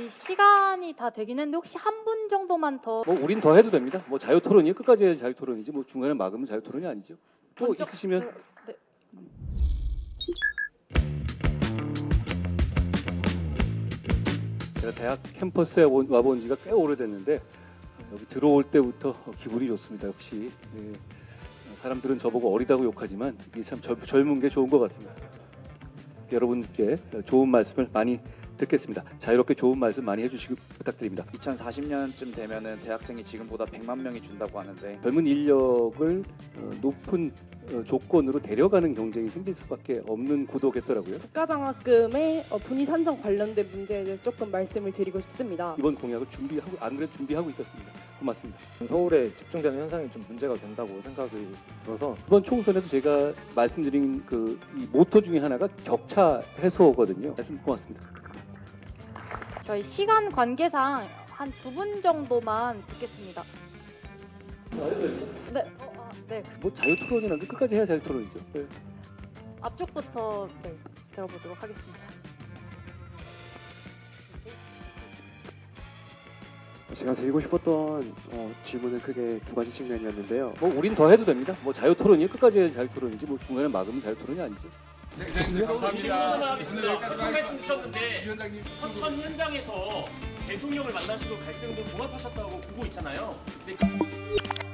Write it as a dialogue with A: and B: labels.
A: 저희 시간이 다 되긴 했는데 혹시 한 분 정도만 더
B: 뭐 우린 더 해도 됩니다. 뭐 자유 토론이 끝까지 해야 자유 토론이지 뭐 중간에 막으면 자유 토론이 아니죠. 또
A: 번쩍-
B: 있으시면
A: 네.
B: 제가 대학 캠퍼스에 와본 지가 꽤 오래됐는데 여기 들어올 때부터 기분이 좋습니다. 역시 사람들은 저보고 어리다고 욕하지만 이게 참 젊은 게 좋은 것 같습니다. 여러분께 좋은 말씀을 많이 듣겠습니다. 자유롭게 좋은 말씀 많이 해주시기 부탁드립니다.
C: 2040년쯤 되면은 대학생이 지금보다 100만 명이 준다고 하는데
B: 젊은 인력을 높은 조건으로 데려가는 경쟁이 생길 수밖에 없는 구도겠더라고요.
D: 국가장학금의 분위 산정 관련된 문제에 대해서 조금 말씀을 드리고 싶습니다.
B: 이번 공약을 준비하고 안 그래도 준비하고 있었습니다. 고맙습니다.
E: 서울에 집중되는 현상이 좀 문제가 된다고 생각이 들어서
B: 이번 총선에서 제가 말씀드린 이 모토 중에 하나가 격차 해소거든요. 말씀 고맙습니다.
A: 저희 시간 관계상 한 두 분 정도만 듣겠습니다. 네, 네.
B: 뭐 자유 토론이라는 게 끝까지 해야 자유 토론이죠. 네.
A: 앞쪽부터 네, 들어보도록 하겠습니다.
F: 제가 드리고 싶었던 질문은 크게 두 가지 측면이었는데요.
B: 뭐 우린 더 해도 됩니다. 뭐 자유 토론이 끝까지 해야 자유 토론이지 뭐 중간에 막으면 자유 토론이 아니죠.
G: 감사합니다. 서천 말씀 주셨는데 서천 현장에서 대통령을 만나시고 갈등도 봉합하셨다고 보고 있잖아요. 근데